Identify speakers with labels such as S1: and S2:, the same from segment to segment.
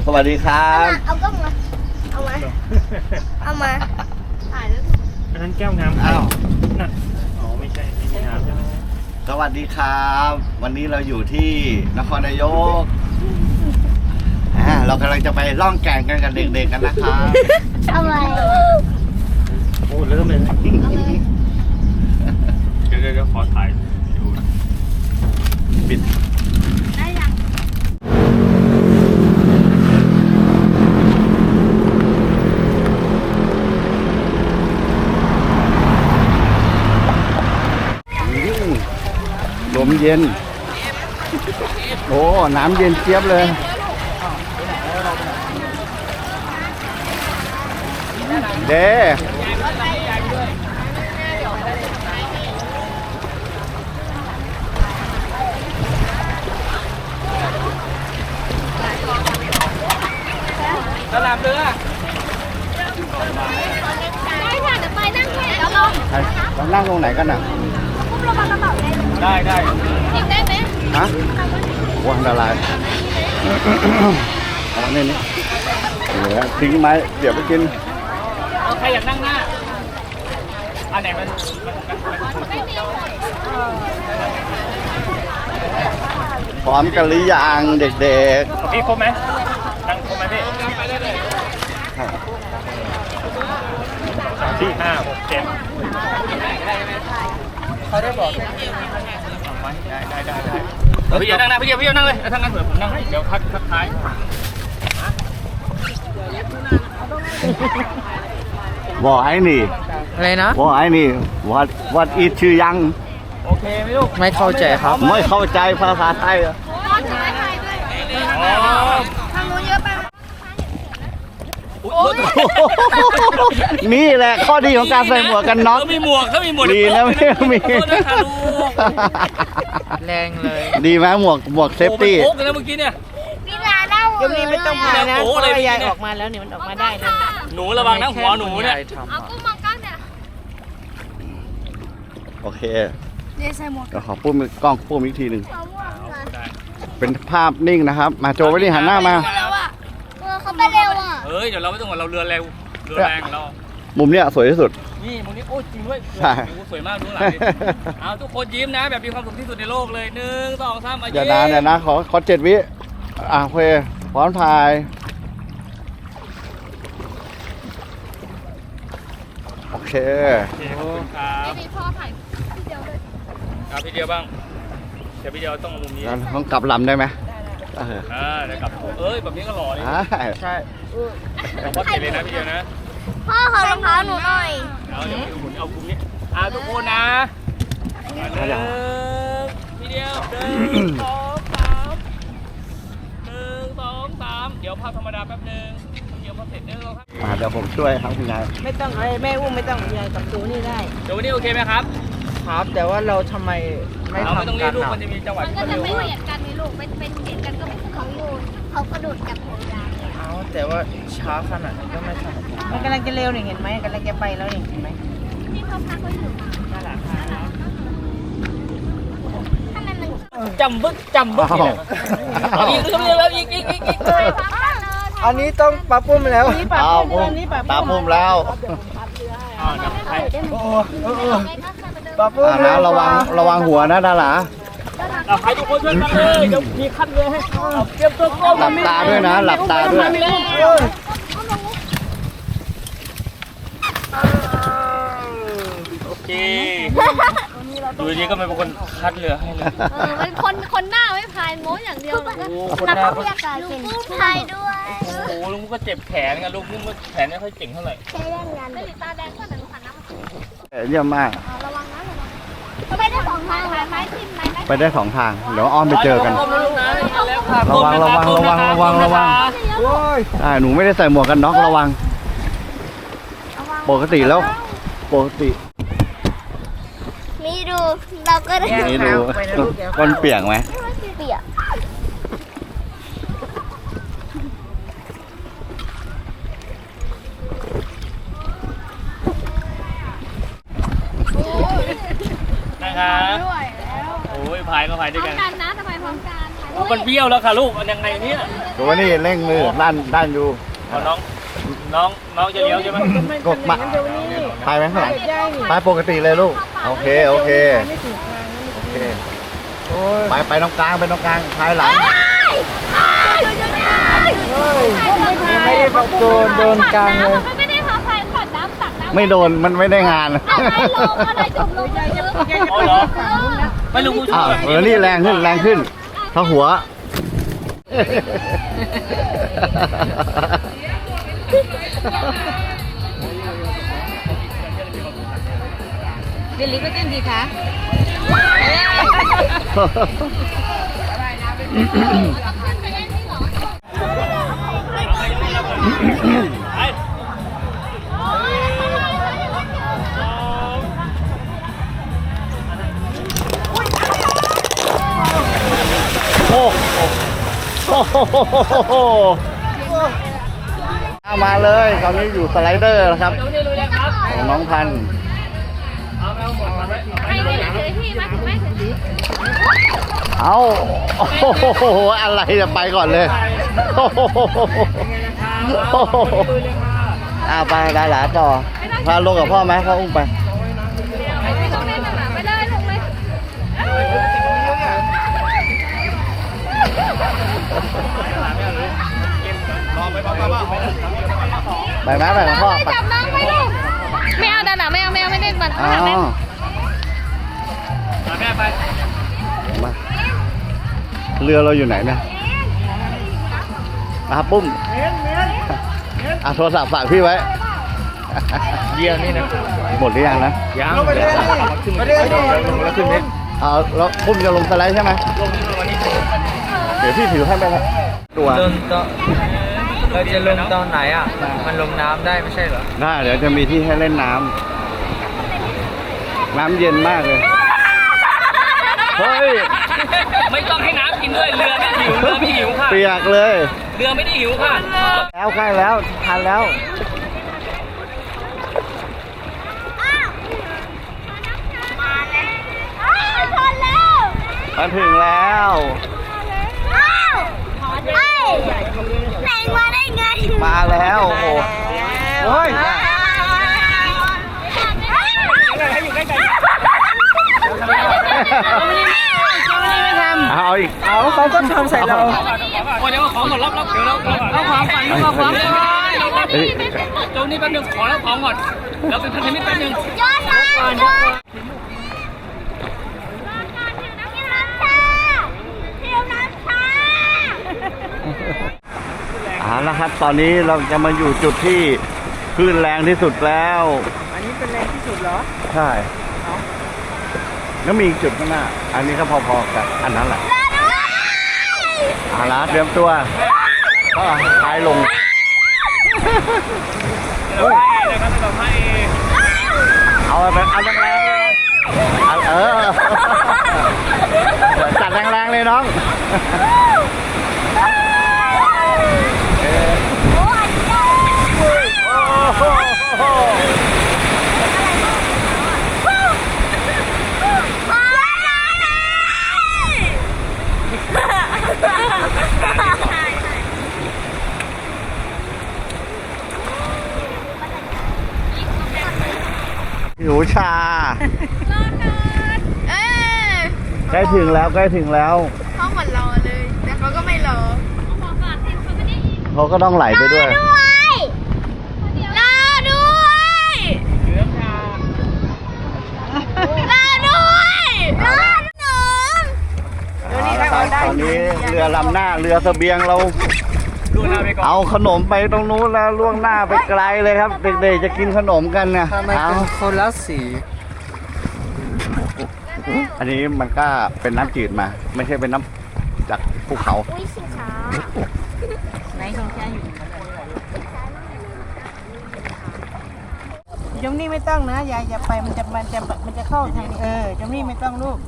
S1: สวัสดีครับ
S2: เอากล้องมาเอามาถ่ายแล้ว
S3: อันนั้นแก้วน้ำอ้าวนั่นอ๋อไม่ใช่น้ำใช่ไหม
S1: สวัสดีครับ วันนี้เราอยู่ที่นครนายกเรากำลังจะไปล่องแก่งกันกับเด็กๆกันนะครับ
S2: ทำไม
S3: โอ้เริ่มเลยเดี๋ยวขอถ่ายดูปิด
S2: ได้ยัง
S1: ลมเย็นโอ้น้ำเย็นเจี๊ยบเลยเด้
S3: ตลาดเรือ
S2: ได้ค่ะเดี๋ยวไปนั่งแค่แล้วลง
S1: เรานั่งตรงไหนกันอ่ะ
S2: ปุ๊บลงมากระเป๋า
S3: ได้
S2: ทิ้งได้ไหม
S1: ฮะว้าอันตรายเอาเนี่ยนี่เหลือทิ้งไม้เดี๋ยวไปกิน
S3: ใครอยากนั่งหน้าอันไหนมัน
S1: พร้อมกันหรือยังเด็ก
S3: ๆพี่ครบไหมนั่งครบไหมพี่4 5 6 7เขาได้บอกได้พี่นั่งนะพี่นั่งเลยถ้างั้นเผื่อผมนั่งให้เดี๋ยวพักท้าย
S1: บอกไอ้นี่
S4: อะไรนะ
S1: บอกไอ้นี่วัดอีชื่อยัง
S3: โอเคไหมลูก
S4: ไม่เข้าใจครับ
S1: ไม่เข้าใจภาษาไทยอ่ะ
S2: ทางนู้นเยอะไป
S1: นี่แหละข้อดีของการใส่หมวกกันน็อก
S3: ถ้ามีหมวก
S1: ดีนะไม่มี
S4: แรงเลย
S1: ดีไหมหมวกเซฟตี้
S3: โอ้นะเมื่อกี้เนี่ย
S2: พี่นาเล่า
S4: ยังนี้ไม่ต้องพายนะเพราะยายออกมาแล้วเนี่ยมันออกมาได้นะ
S3: หนูระวังนะหัวหนูเนี่ย
S2: เอากุ้งมองกล้องเนี่ย
S1: โอเค
S2: เดี๋ยวใส่หมวก
S1: ก็ขอพูดกล้องพูดอีกทีหนึ่งเป็นภาพนิ่งนะครับมาโจไว้ดิหันหน้ามา
S2: เขาไปเร็วอ่ะ
S3: เฮ้ยเดี๋ยวเราไม่ต้องเราเรือแรงเรา
S1: มุมเนี้ยสวยที่สุด
S3: นี่มุมนี้โอ้จริงด้วยสวยมากดูหลังดิเอาทุกคนยิ้มนะแบบมีความสุขที่สุดในโลกเลย1 2 3
S1: อย่านานอย่านะขอ7 วิโอเคพร้อมถ่ายโอเค
S3: ขอบคุณครับ
S2: พี่พ่อถ่ายพี่เดียวเลย
S3: ครับพี่เดียวบ้างเดี๋ยวพี่เดียวต้องมุมนี้
S1: ต้องกลับลำได้ไหม
S3: เดี๋ยวกลับแบบนี้ก็หล่อเลย
S1: ใช่
S3: วัดเสร็จเลยนะพี่เดียวนะ
S2: พ่อขอรองเท้าหนูหน่อย
S3: เดี๋ยวหมุนเอาคุมนี้ทุกคนนะพี่เดียว1 2 3เดี๋ยวภาพธรรมดาแป๊บนึงเดี๋ยวพอเสร็จเ
S1: ดี๋ยวผมช่วยครับคุณยาย
S4: ไม่ต้องแม่อุ้มไม่ต้องยายกับตัวนี่ได้
S3: เดี๋ยววันนี้โอเคไหมครับ
S4: ครับแต่ว่าเราทำไมไม่ทำกัน
S3: ลูกมันจะมีจังหวะ
S2: มันก็จะไม่เหมือนกันในลูกเป็นเหมือนกันก็ไม่เขาอยู่เขากระโดดกับหัวยาย
S4: แต่ว่าช้าขนาดนี้ก็ไม่ทำมันกำลังจะเร็วนี่เห็นไหมกำลังจะไปแล้วนี่เห็นไหม
S2: ที่เขาพักเขาอยู่
S4: น่ารัก
S3: จำบึกอีก
S4: อันนี้ต้องปรับปรุงแล้ว
S1: ปรับปรุงแล้ว
S4: ปรับปรุง
S1: นะระวังหัวนะดารา
S3: ใครทุกคนช่วยกันเลยเดี๋ยวมีคัดเลยให้เตรียมตัว
S1: หลับตาด้วยนะหลับตาด้วย
S3: โอเคดูนี้ก็ไม่เป็นคนคัดเรือให้เลย
S2: มันคนหน้าไม่พายโม้อย่างเดียว
S3: คนหน้าก็
S2: ลุงกุ้งพายด้วย
S3: โอ้ลุงก็เจ็บแขนกันลุงกุ้งก็แขนไม่ค่อยเก่งเท่าไหร่
S2: ใช้แรงงานไม่ติดตาแดงก็แต่ลุงขันน้
S1: ำเยี่ยมมาก
S2: ระวังนะไปได้2 ทางไม้ทิ่ม
S1: ไปได้2 ทางเดี๋ยวอ้อมไปเจอกันระวังหนูไม่ได้ใส่หมวกกันน็อกระวังปกติ
S2: นี่ดูเราก็ได้
S1: นี่ดูก้นเปียกไหม
S2: เปียก
S3: นะครับโอ้ยพายก็พายด้วยกัน
S2: นะทำไมพร้อมกัน
S3: มันเบี้ยวแล้วค่ะลูกมันยังไงเนี่ย
S1: ดูว่านี่เร่งมือด้านอยู่
S3: เอาน้องจะเลี้ยวใช่ไหม
S1: กดมาไปไหมข้างหลังไปปกติเลยลูกโอเคโอเคไปตรงกลางท้ายหลังไม่ได้โดนกลางเลย
S2: ไม่ได้พาใครขอดน้ำตักน้ำ
S1: ไม่โดนมันไม่ได้งาน
S2: อะไรลงอะไรจมลง
S3: เอาเหรอไม่รู้ผู้ชาย
S1: นี่แรงขึ้นถ้าหัว
S4: เดลิก็เต้นดีคะ
S1: โอ้โหมาเลยตอนนี้อยู่สไลเดอร์นะครับของน้องพันธุ์
S2: ให้ไม่เฉยๆพี่มาถึงไม่เฉย
S1: เอาโอ้โหอะไรจะไปก่อนเลยโอ้โหไปได้หลาต่อพาลงกับพ่อไหมพ่ออุ้มไป
S2: ๆไม่ต้องเล่นหรอกไปเลยลงเลย
S1: ไปไหมไปกับพ่อไป
S2: จับน้องไปดิไม่เอาดันอ่ะไม่เอาไม่เล่นมัน
S1: อ๋อ
S2: แม่
S3: แม่ไป
S1: มาเรือเราอยู่ไหนเนี่ยมาปุ้มโทรศัพท์ฝากพี่ไว้
S3: เยี่ยนี่นะ
S1: หมดหรือยังนะ
S3: ยัง
S1: เอาแล้วปุ้มจะลงสไลด์ใช่ไหมเดี๋ยวพี่ถือให้ไปครับตัว
S5: ลงตอนเราจะลงตอนไหนอ่ะ มันลงน้ำได้ไม่ใช่เหรอ
S1: ได้เดี๋ยวจะมีที่ให้เล่นน้ำเย็นมากเลยเฮ้ย
S3: ไม่ต้องให้น้ำกินด้วยเรือไม่หิวค่ะ
S1: เปียกเลย
S3: เรือไม่ได้หิวค่ะ
S1: แล้วใกล้แล้วทันแล้วมาถึงแล้ว
S2: ไหนมาได้ไง
S1: มาแล้วโอ้โหโอ้ยเอาอีก
S4: เอาเขาก็ทำใส่เรา
S3: โอ้เดี๋ยวเอาของก่อนรับเดี๋ยวเราเอาของก่อนเอาของก่อนโจนี่แป๊บนึงขอรับของก่อนแล้วเป็นพันธมิตรแป๊บนึง
S2: ยอดมากยอด
S1: เอาละครับตอนนี้เราจะมาอยู่จุดที่คลื่นแรงที่สุดแล้ว
S4: อันนี้เป็นแรงที่สุดเหรอ
S1: ใช่แล้วมีอีกจุดข้างหน้า อันนี้ก็พอๆกับอันนั้นแหละเอาละเตรียมตัวก็ท้ายลงเอาไปเอาแรงๆเลยจัดแรงๆเลยน้องหิวชาใกล้ถึงแล้วเขาเหมือนรอเลยแต่เขาก็ไม่รอเขาก็ต้องไหลไปด้วย
S2: รอด้วย
S1: ตอนนี้เรือลำหน้าเรือเสบียงเรา
S3: ดูหน้าไปก่อน
S1: เอาขนมไปตรงนู้นแล้วล่วงหน้าไปไกลเลยครับ เด็กๆจะกินขนมกันเนี่ย
S5: ทำไม
S1: เอา
S5: เป็นคนละสี
S1: อันนี้มันก็เป็นน้ำจืดมา ไม่ใช่เป็นน้ำจากภูเขา
S2: อุ้ยสิขา
S4: ไหนของแค่อยู่จมนี่ไม่ต้องนะอย่าไปมันจะเข้าทางนี้จมนี่ไม่ต้องลูก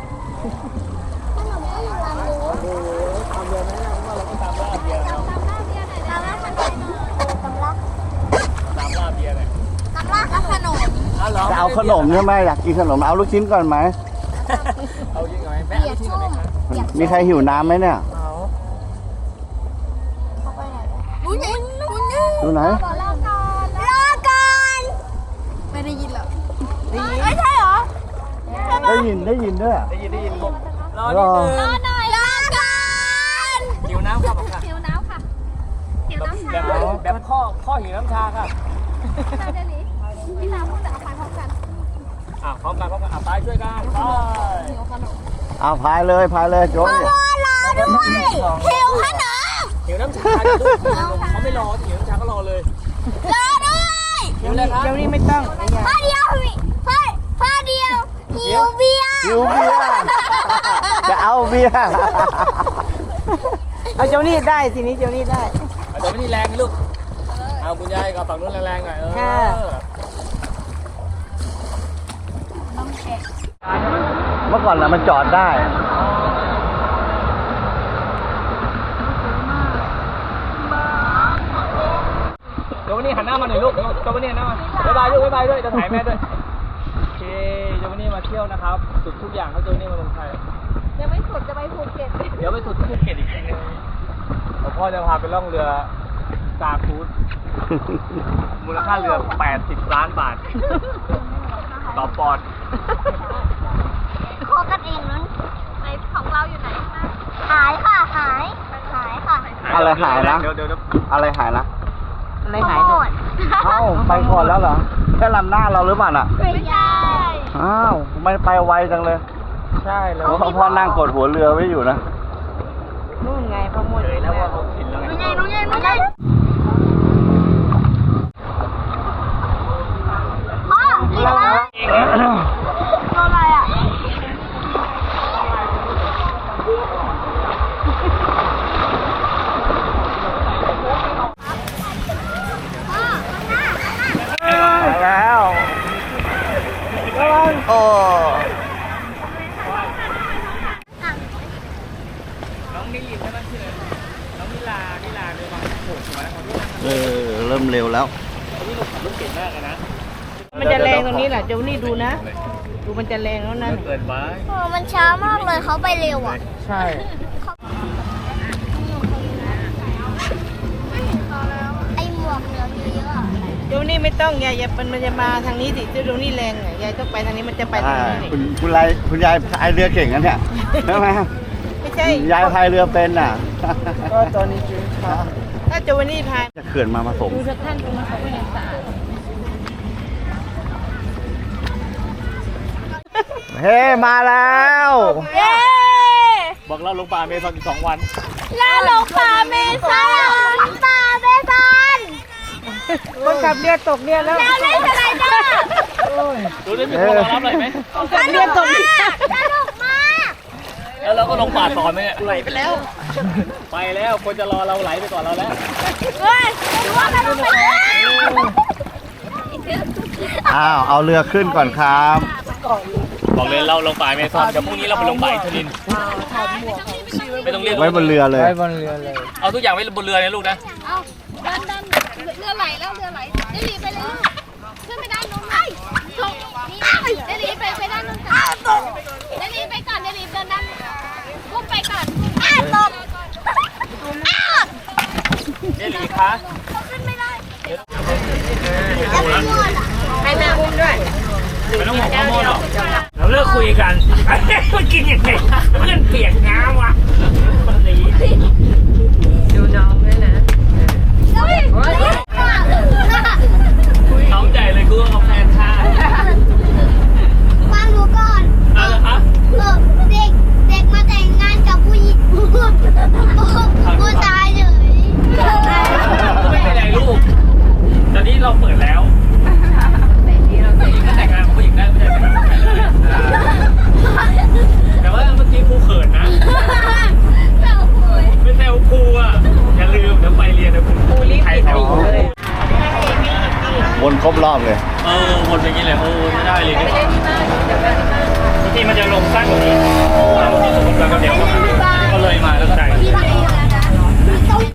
S1: จะเอาขนมใช่ไหมอยากกินขนมเอาลูกชิ้นก่อนไหม
S5: เอาจริงไหมแม่
S2: เบียร์ชุ่ม
S1: มีใครหิวน้ำไหมเนี่ย
S2: ดูไหน
S1: ดูไหน
S2: รอก่อนรอก่อนไม่ได้ยินหรอไม่ใช่เหรอ
S1: ได้ยินด้วย
S5: รอนิดนึง
S2: รอหน่อยรอก่อน
S5: หิวน้ำครับผมค่ะ
S2: หิวน้ำค่ะหิวน้ำ
S5: แบบข้อหิวน้ำชาค่ะ
S2: เราจะหลีพี่น้ำพูดแต่เอาไปพร้อมกัน
S5: พร้อมกันไปช่วยกันไป
S2: หิวขนม
S1: เอาพายเลยโจ๊ก
S2: รอด้วยหิวขนม
S5: หิวน้ำชาจะลูกเขาไม่รอหิวน้ำชาก็รอเลย
S2: รอด้วย
S5: หิวเลยครับ
S4: เดี๋ยวนี้ไม่ต้อง
S2: พ่อเดียวพ่อเดียวหิวเบียร์
S1: หิวเบียร์จะเอาเบียร์
S4: เอาเจ้านี่ได้ทีนี้เจ้านี่ได้
S5: เดี๋ยวไม่มีแรงนะลูกเอาคุณยายกับฝั่งนู้นแรงๆหน่อย
S4: ค่ะ
S1: เมื่อก่อนน่ะมันจอดได้
S5: เดี๋ยววันนี้หันหน้ามาหน่อยลูกเดี๋ยววันนี้หันหน้ามาบ๊ายบายลูกบ๊ายบายด้วยจะถ่ายแม่ด้วยโอเคเดี๋ยววันนี้มาเที่ยวนะครับสุดทุกอย่างเขาเจอนี่มาเมืองไทย
S2: ยังไม่สุดจะไปภูเก็ต
S5: เดี๋ยวไปสุดที่ภูเก็ตอีกทีนึงพ่อจะพาไปล่องเรือซาคูดมูลค่าเรือ80 ล้านบาทต่อปอนด์
S2: โคกันเองนั้นในของเราอยู่ไหนหายค่ะหายค่ะ
S1: อะไรหายนะ
S5: เดี๋ยว
S1: อะไรหายนะ
S4: อะไรหายหมด
S1: เอ้าไปก่อนแล้วเหรอแค่ลำหน้าเราหรือเปล่าน่ะ
S2: ไม่ใช่
S1: อ้าวไม่ไปไวจังเลย
S5: ใช่แล้ว
S1: เพราะพ่อนั่งกดหัวเรือไว้อยู่นะ
S4: นู่นไงพอหมด
S5: เลยแล้วว่าเขากินแล้วไง
S2: น้องใหญ่พ่อกินแล้วโดนอะไรอ่ะพ่อ
S1: ไปแล้วโอ้
S5: น้องนิลินใช่ไหมชื่ออะไรน้องนิลาเรือบางโขดหัวนะของที่นั่ง
S1: เริ่มเร็วแล้ว
S5: นี่ลูกขับรถเก่งมากเลยนะ
S4: มันจะแรงตรงนี้แหละเจ้านี่ดูนะ ดูมันจะแรงแล้วนั่น
S5: เกินไป
S2: มันช้ามากเลยเขาไปเร็วอ่ะ
S5: ใช่
S2: ไอหมวกเหลืองเยอะๆอะ
S4: เจ้านี่ไม่ต้องยายมันจะมาทางนี้สิเจ้านี่แรงอ่ะยายต้องไปทางนี้มันจะไปทางนี้
S1: คุณยายพายเรือเก่งกันเนี่ยใช่ไหม
S4: ไม่ใช่
S1: ยายพายเรือเป็นน่ะ
S4: ก็ตอนนี้จริงค่ะถ้าเจ้านี่พาย
S1: จะเขื่อนมาผสม
S4: ดูสักท่านตรงนั้นเขาก็ยังสะอาด
S1: เฮ้มาแล้ว
S2: เย้
S5: บอกเราลงป่าเมซอนอีก2 วัน
S2: เราหลงป่าเมซอนป่าเมซอน
S4: คนขับเรือตกเรือแล้ว
S2: เราเล่นสไลเดอร์
S5: ดูได้มีคนรอรับเลยไหม
S4: ขับเรือตก
S2: สนุกมาก
S5: แล้วเราก็ลงป่าต่อไหมเนี่ยไหลไปแล้ว ไปแล้วคนจะรอเราไหลไปก่อนเราแล้ว
S2: เฮ้ยดูว่าเราไปแล้ว
S1: อ้าวเอาเรือขึ้นก่อนครับ
S5: บอกเลยเราลงป่าเมซอนเดี๋ยวพรุ่งนี้เราไปลงป่าอินทนินไม่ต้องเรียก
S1: ไว้บนเรือเลย
S5: เอาทุกอย่างไว้บนเรือนะลูกนะ
S2: เอาดันเรือไหลแล้วเรือไหลเดลีไปเลยขึ้นไปด้านนู้นตกนี่เดลีไปด้านนู้นก่อนเดลีไปก่อนเดลีเดินด้านกุ้งไปก่อนตก
S5: เดลีคะ
S2: ขึ้นไม่ได้
S4: ให้แม่อุ้มด้วย
S5: ไม่ต้องบอกข้อมูลหรอกเราเลิกคุยกันมันกินยังไงเพื่อนเปียกน้ำวะมันหนี
S4: ดูน้องด้วยนะ
S5: น้องใจเลยกูเอาแฟนชาติ
S2: ฟังหนูก่อน
S5: อะไรคะ
S2: เด็กมาแต่งงานกับผู้หญิงผู้ชายเลย
S5: ไม่เป็นไรลูกตอนนี้เราเปิดแล้วผู้หญิงก็แต่งงานกับผู้หญิงได้ไม่ใช่แต่งงานกับผู้ชายเลยแต่ว่าเมื่อกี้ครูเขินนะไม่แซวครูอ่ะอย่าลืมเดี๋ยวไปเรียนเดี๋ยวครูไทยแซวครู
S1: วนครบรอบเลย
S5: วนไปอย่างนี้เลยไม่ได้เลยที่มันจะลงสั้นกว่านี้เราที่สุดแล้วก็เดี๋ยวก็เลยมาแล้วก็ได้